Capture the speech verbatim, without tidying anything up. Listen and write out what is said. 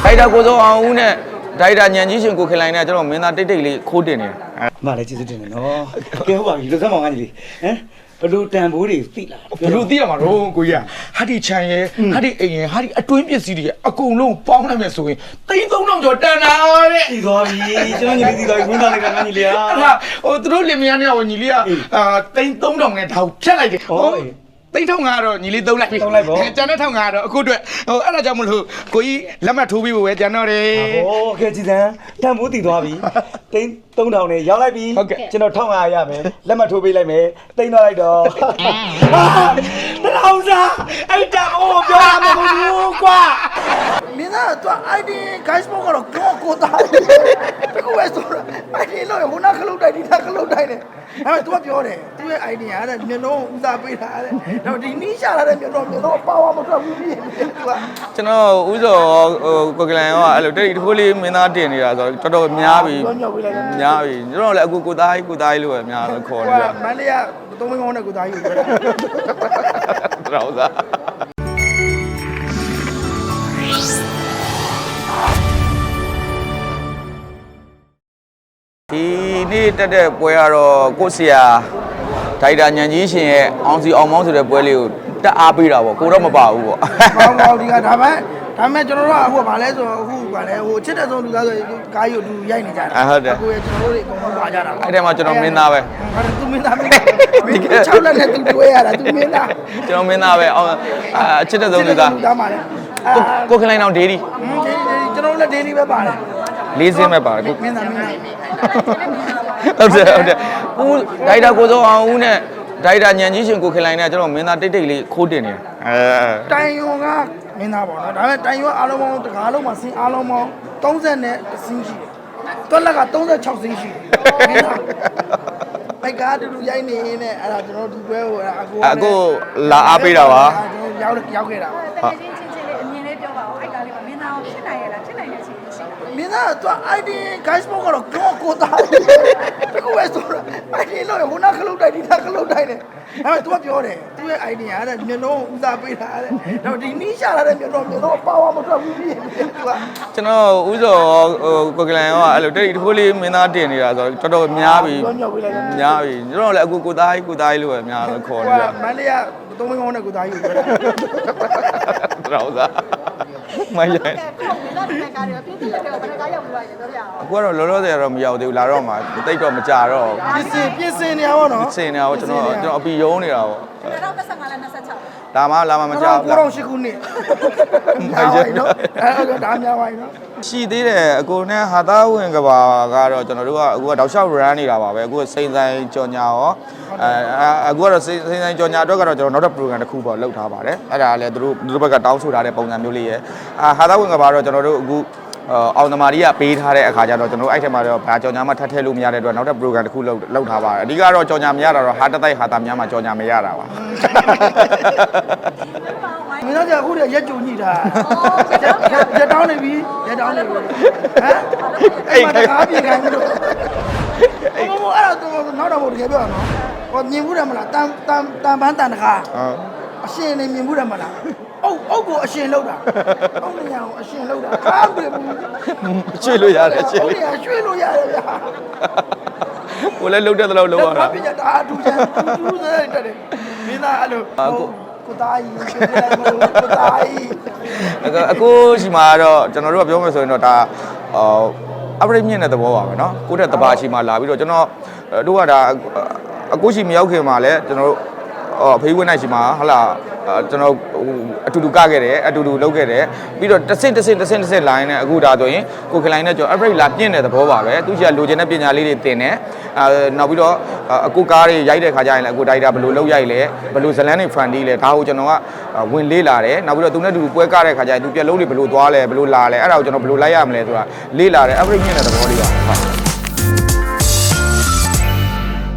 ဒါတာကိုစောအောင်ဦးနဲ့ဒါတာညံကြီးရှင်ကိုခင်လိုင်းနဲ့ကျွန်တော်မင်းသားတိတ်တိတ်လေးခိုးတင်နေတယ်မလည်းကျေးဇူးတင်တယ်နော်ကဲဟုတ်ပါပြီလူစမ်းမောင်ကကြီးဟမ်ဘလူတန်ဘိုးတွေသိလားဘလူသိရမှာတော့ကိုကြီးဟာဒီချန်ရဲ့ဟာဒီအိမ်ရဲ့ဟာဒီအတွင်းပစ္စည်းတွေအကုန်လုံးပေါင်းလိုက်မယ်ဆိုရင်သိန်းသုံးထောင်ကျော်တန်တာတဲ့သိသွားပြီကျွန်တော်ညီလေးသိသွားပြီဝန်သားလေးကငါညီလေးอ่ะဟာဟိုသူတို့လင်မယားနဲ့ဟိုညီလေးကအာသိန်းသုံးထောင်နဲ့ဒါကိုဖြတ်လိုက်တယ်ဟိုသိန်းထောင်ကတော့ညီလေးသုံးလိုက်ပြီကျန်တဲ့ထောင်ကတော့အခုအတွက်ဟိုအဲ့ဒါကြောင့်မလို့ကိုကြီးလက်မှတ်ထိုးပြီးဖို့ပဲကျန်တော့တယ်ဟိုကဲကြည်စံတန်ဘိုးသိသွားပြီသိန်းသုံးထောင်နဲ့ရောက်လိုက်ပြီကျွန်တော်တစ်ထောင်၅ရာရမယ်လက်မှတ်ထိုးပေးလိုက်မယ်သိန်းသွားလိုက်တော့တလောင်စားအဲ့တန်ဘိုးပြောရမှာမဟုတ်ဘူးကွာမင်းသားက ไอ ดี guys ဘောကတော့ကိုကိုသားတကူပဲဆိုတော့ ไอ ดี လို့ဟိုနာခလုတ်တိုက်ဒီနာခလုတ်တိုက်တယ်ဒါပေမဲ့ तू ကပြောတယ်သူ့ရဲ့ idea ကတဲ့မျိုးလုံးဦးစားပေးတာတဲ့တော့ဒီနီးရှာလာတဲ့မျိုးလုံးမျိုးလုံးပါဝါမထွက်ဘူးပြီး तू ကကျွန်တော်ဥစောဟိုကိုကလန်ရောအဲ့လိုတိတ်တခိုးလေးမင်းသားတင်နေတာဆိုတော့တော်တော်များပြီများပြီကျွန်တော်လည်းအခုကိုသားကြီးကိုသားကြီးလို့ပဲများလို့ခေါ်နေဟိုတာကမန္တလေးကသုံးမင်းကောင်းတဲ့ကိုသားကြီးကိုပြောတာတော်သားဒီနေ့တက်တဲ့ပွဲကတော့ကိုဆရာဒါတာညံကြီးရှင်ရဲ့အောင်စီအောင်မောင်းဆိုတဲ့ပွဲလေးကိုတက်အားပေးတာပေါ့ကိုတော့မပါဘူးပေါ့ကောင်းကောင်းဒီကဒါပေမဲ့ဒါပေမဲ့ကျွန်တော်တို့ကအခုကဗာလဲဆိုတော့အခုကလည်းဟိုချစ်တဲ့ဆုံးလူသားဆိုကားကြီးကိုလူရိုက်နေကြတာအခုရဲ့ကျွန်တော်တို့တွေအကုန်လုံးပါကြတာအဲ့ထဲမှာကျွန်တော်မင်းသားပဲဟာသူမင်းသားမင်းသားချောက်လက်နဲ့သူတွေ့ရတာသူမင်းသားကျွန်တော်မင်းသားပဲအောင်အချစ်တဲ့ဆုံးလူသားသားမှာလေကိုခင်လိုင်းအောင်ဒေးဒီဒီကျွန်တော်လည်းဒေးလီပဲပါတယ်လေးစင်းပဲပါတယ်ကိုမင်းသားမင်းသားဟုတ်တယ်ဟုတ်တယ်ဦးဒါတာကိုစောအောင်ဦးနဲ့ဒါတာညံကြီးရှင်ကိုခင်လိုင်းနဲ့ကျွန်တော်မင်းသားတိတ်တိတ်လေးခိုးတင်နေတယ်အဲတိုင်ယွန်ကမင်းသားပေါ့နော်ဒါပေမဲ့တိုင်ယွန်အားလုံးပေါင်းတကားလုံးမှာစင်းအားလုံးပေါင်းသုံးဆယ်နဲ့စင်းရှိတယ်တွက်လက်ကသုံးဆယ်ခြောက်စင်းရှိတယ်မင်းသားအဲ့ကားတူတူရိုက်နေနေအဲ့ဒါကျွန်တော်ဒီပွဲကိုအကိုအခုလာအားပေးတာပါကျွန်တော်ရောက်ရောက်ခဲ့တာတကယ်ချင်းချင်းချင်းလေးအမြင်လေးပြောပါဦးအဲ့ကားလေးကမင်းသားကိုဖြစ်နိုင်ရလားဖြစ်နိုင်တဲ့ချင်းရှိတာမင်းသားက ไอ ดี guys ဘောကတော့ကိုကိုသားတကူပဲဆိုတော့ ไอ ดี လို့ဟိုနာခလုတ်တိုက်ဒီနာခလုတ်တိုက်တယ်ဒါပေမဲ့ तू ကပြောတယ်သူ့ရဲ့ idea ကတဲ့မျိုးလုံးဦးစားပေးတာတဲ့တော့ဒီနီးရှာလာတဲ့မျိုးလုံးမျိုးလုံးပါဝါမထွက်ဘူးပြီး तू ကကျွန်တော်ဥစောဟိုကိုကလန်ရောအဲ့လိုတိတ်တခိုးလေးမင်းသားတင်နေတာဆိုတော့တော်တော်များပြီများပြီကျွန်တော်လည်းအခုကိုသားကြီးကိုသားကြီးလို့ပဲများလို့ခေါ်နေဟိုတာကမန္တလေးကသုံးမင်းကောင်းတဲ့ကိုသားကြီးကိုပြောတာတော်သားမရကဲကိုမင်းသားတဲ့ကားတွေကပြည့်စုံတဲ့ဘယ်ကားရောက်ပြီးတော့ရင်ပြောပြအောင်အခုကတော့လောလောဆယ်ကတော့မရောက်သေးဘူးလာတော့မှတိတ်တော့မကြတော့ပြင်စင်ပြင်စင်နေရပါတော့စင်နေတာကိုကျွန်တော်ကျွန်တော်အပီယုံနေတာပေါ့二零二三နဲ့二十六လာမလာမမကြောက်ကိုတော့ရှိခုနှစ်မိုက်ရနော်အဲ့ဒါဒါများပါနော်ရှိသေးတယ်အကိုနဲ့ဟာသားဝင်ကဘာကတော့ကျွန်တော်တို့ကအခုကတောက်လျှောက် run နေတာပါပဲအခုစိန်ဆိုင်ကြော်ညာရောအဲအခုကတော့စိန်ဆိုင်ကြော်ညာအတွက်ကတော့ကျွန်တော်နောက်တစ် program တစ်ခုပေါ့လုပ်ထားပါတယ်အဲ့ဒါလည်းသူတို့သူတို့ဘက်ကတောင်းဆိုထားတဲ့ပုံစံမျိုးလေးရယ်အာဟာသားဝင်ကဘာတော့ကျွန်တော်တို့အခုအောင်သမားကြီးကပေးထားတဲ့အခါကျတော့ကျွန်တော်တို့အဲ့ထက်မှာတော့ဘာကြော်ညာမှထပ်ထည့်လို့မရတဲ့အတွက်နောက်တဲ့ program တစ်ခုလုပ်လုပ်ထားပါတယ်အဓိကတော့ကြော်ညာမရတာတော့ဟာတတိုက်ဟာတာများမှကြော်ညာမရတာပါမင်းတို့ကအခုတည်းရက်ကြုံညိတာရက်တောင်းနေပြီရက်တောင်းနေပြီဟမ်အဲ့မှာတကားပြေခိုင်းလို့အဲ့မအဲ့တော့နောက်တော့ဘုရားပြောရနော်ဟောမြင်ဘူးတယ်မလားတန်တန်တန်ပန်းတန်တကားအရှင်နေမြင်ဘူးတယ်မလားအုတ်အုတ်ကိုအရှင်လောက်တာအုတ်နေရအောင်အရှင်လောက်တာကားပြေဘူးရွှေ့လို့ရတယ်ရွှေ့ဟုတ်လို့ရရွှေ့လို့ရတယ်ဗျာကိုလည်းလှုပ်တဲ့သလောက်လှုပ်ရတာပြတာအတူချမ်းတူတူတဲ့တဲ့မင်းသားအဲ့လိုကိုသားကြီးကိုသားကြီးအခုရှိမှာတော့ကျွန်တော်တို့ကပြောမယ်ဆိုရင်တော့ဒါအပရိမြင့်တဲ့သဘောပါပဲเนาะကိုယ့်တဲ့တဘာရှိမှာလာပြီးတော့ကျွန်တော်တို့ကဒါအကိုရှိမရောက်ခင်မှာလဲကျွန်တော်တို့အဖေးဝင်းနိုင်ရှိမှာဟလာကျွန်တော်အတူတူကခဲ့တယ်အတူတူလုပ်ခဲ့တယ်ပြီးတော့တစ်ဆင့်တစ်ဆင့်တစ်ဆင့်တစ်ဆင့် line နဲ့အခုဒါဆိုရင်ကိုခင်လိုင်းနဲ့ကျွန်တော် upgrade လာပြင့်တဲ့သဘောပါပဲသူကြီးကလိုချင်တဲ့ပညာလေးတွေသင်တယ်အဲနောက်ပြီးတော့အကူကားတွေရိုက်တဲ့ခါကျရင်လည်းအကူ data ဘယ်လိုလုပ်ရိုက်လဲဘယ်လိုဇလန်းတွေ friendly လဲဒါကိုကျွန်တော်ကဝင်လေးလာတယ်နောက်ပြီးတော့သူနဲ့တူတူပွဲကားတဲ့ခါကျရင်သူပြက်လုံးတွေဘယ်လိုသွားလဲဘယ်လိုလာလဲအဲ့ဒါကိုကျွန်တော်ဘယ်လိုလိုက်ရမလဲဆိုတာလေးလာတယ် upgrade မြင့်တဲ့သဘောလေးပါဟုတ်